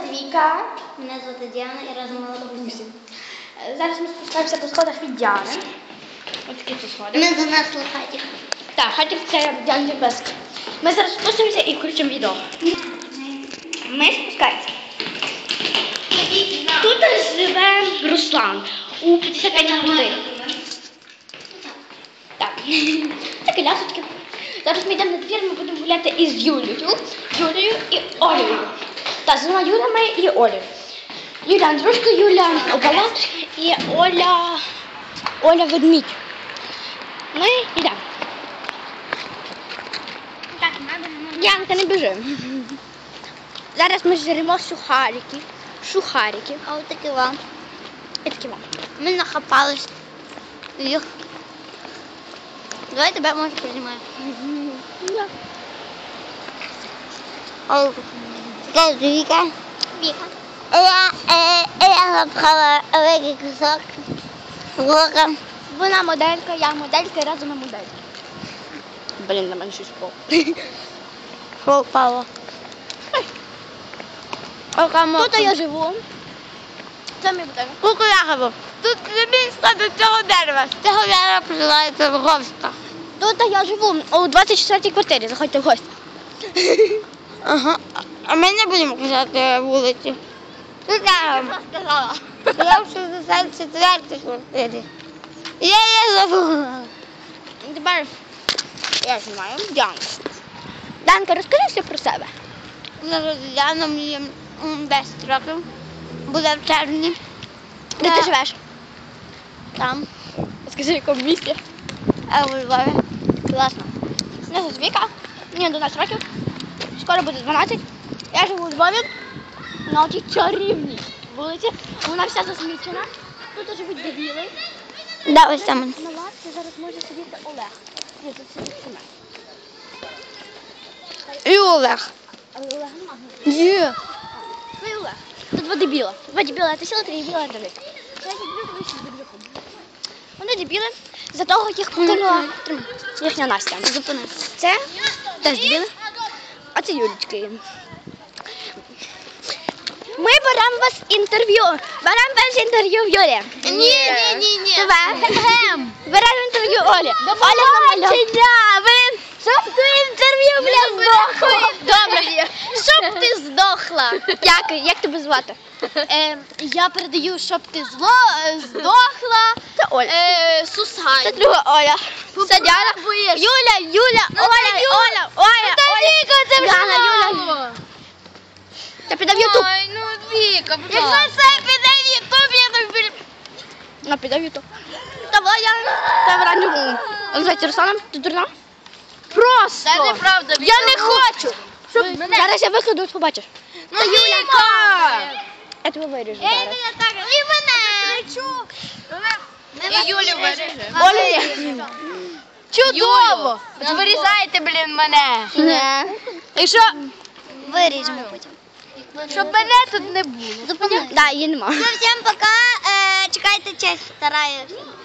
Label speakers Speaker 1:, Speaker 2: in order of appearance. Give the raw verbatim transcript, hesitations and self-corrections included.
Speaker 1: Віка.
Speaker 2: Мене звати Діана і разом ми Лукусі.
Speaker 1: Зараз ми спускаємося по сходах від Діани. Ось такі тут сходи.
Speaker 2: Ми занесли хатік.
Speaker 1: Так, хатік це Діані без. Ми зараз спустимося і включимо відео. Ми спускаємося. Тут живе Руслан у п'ятдесят п'ять годин. Так, це колясочки. Зараз ми йдемо на двір, ми будемо гуляти із Юлею, Юлею і Олею. Так, з двома Юлями і Олею. Юля Андрушка, Юля Обалат і Оля, Оля Ведмідь. Ми йдемо.
Speaker 2: Так, треба.
Speaker 1: Янка, не біжи. Зараз ми жремо сухарики. Сухарики.
Speaker 2: А от такі вам.
Speaker 1: І такі вам.
Speaker 2: Ми нахапались їх. Давай тебе може приймаю.
Speaker 1: Да.
Speaker 2: О, це Віка.
Speaker 1: Віка.
Speaker 2: Я, е, я запхала великий кусок лука.
Speaker 1: Вона моделька, я моделька і разом ми модельки. Блін, на мене щось впало.
Speaker 2: Що впало?
Speaker 1: Тут я живу. Це мій будинок.
Speaker 2: Куку я живу. Тут місто до цього дерева. З цього дерева призивається Вговська.
Speaker 1: Тут я живу у двадцять четвертій квартирі. Заходьте в гості.
Speaker 2: Ага. А ми не будемо казати вулиці. Тут я сказала. Я в шістдесят четвертій квартирі. Я її забула.
Speaker 1: Тепер я знімаю Діанку. Діанка, розкажи все про себе.
Speaker 2: Зараз Діана мені м, десять років. Буде в червні.
Speaker 1: Де ти живеш?
Speaker 2: Там.
Speaker 1: Скажи, в якому місті?
Speaker 2: А у Львові.
Speaker 1: Класно. Мене звуть Віка, мені одинадцять років, скоро буде дванадцять. Я живу у Львові на цій чарівній вулиці. Вона вся засмічена. Тут живуть дебіли.
Speaker 2: Да, ось там.
Speaker 1: На лавці зараз може сидіти Олег. Ні, тут сидить Семен.
Speaker 2: І Олег.
Speaker 1: Але Олега немає.
Speaker 2: Є.
Speaker 1: Ну і Олег. Тут два дебіла. Два дебіла, ти сіла, три дебіла, три дебіла. Я дебіл, ви всі дебіли. Вони дебіли, за того їх покинула їхня Настя.
Speaker 2: Зупини.
Speaker 1: Це теж дебіли, а це Юлічки. Ми беремо вас інтерв'ю. Беремо перше інтерв'ю в Юлі.
Speaker 2: Ні, ні, ні, ні.
Speaker 1: Тебе. Беремо інтерв'ю Олі. Оля намальовує. Блін, щоб ти інтерв'ю, бля, здохла. Добре. Щоб ти здохла. Як, як тебе звати?
Speaker 2: Е, я передаю, щоб ти зло, е, здохла.
Speaker 1: Це Оля.
Speaker 2: Е, Сусай.
Speaker 1: Це друга Оля. Це Діана. Юля, Юля, Оля, Оля, Оля, Оля.
Speaker 2: це
Speaker 1: Діана, Юля. Та піде в Ютуб.
Speaker 2: Ой, ну Віка, будь ласка. Якщо це піде в Ютуб, я тобі...
Speaker 1: А піде в Ютуб. Давай, я тебе ранню. Називається Русланом, ти дурна? Просто.
Speaker 2: Це неправда, Віка.
Speaker 1: Я не хочу. Щоб... Зараз я викладу, от побачиш.
Speaker 2: Ну, Віка!
Speaker 1: Я тебе виріжу
Speaker 2: Я
Speaker 1: зараз.
Speaker 2: мене так, і мене. І Юлю виріже.
Speaker 1: Оля.
Speaker 2: Чудово! Вирізайте, блін, мене.
Speaker 1: Не.
Speaker 2: І що?
Speaker 1: Виріжемо потім.
Speaker 2: Щоб мене тут не було.
Speaker 1: Так, її нема.
Speaker 2: Ну, всім пока. Чекайте честь, стараюсь.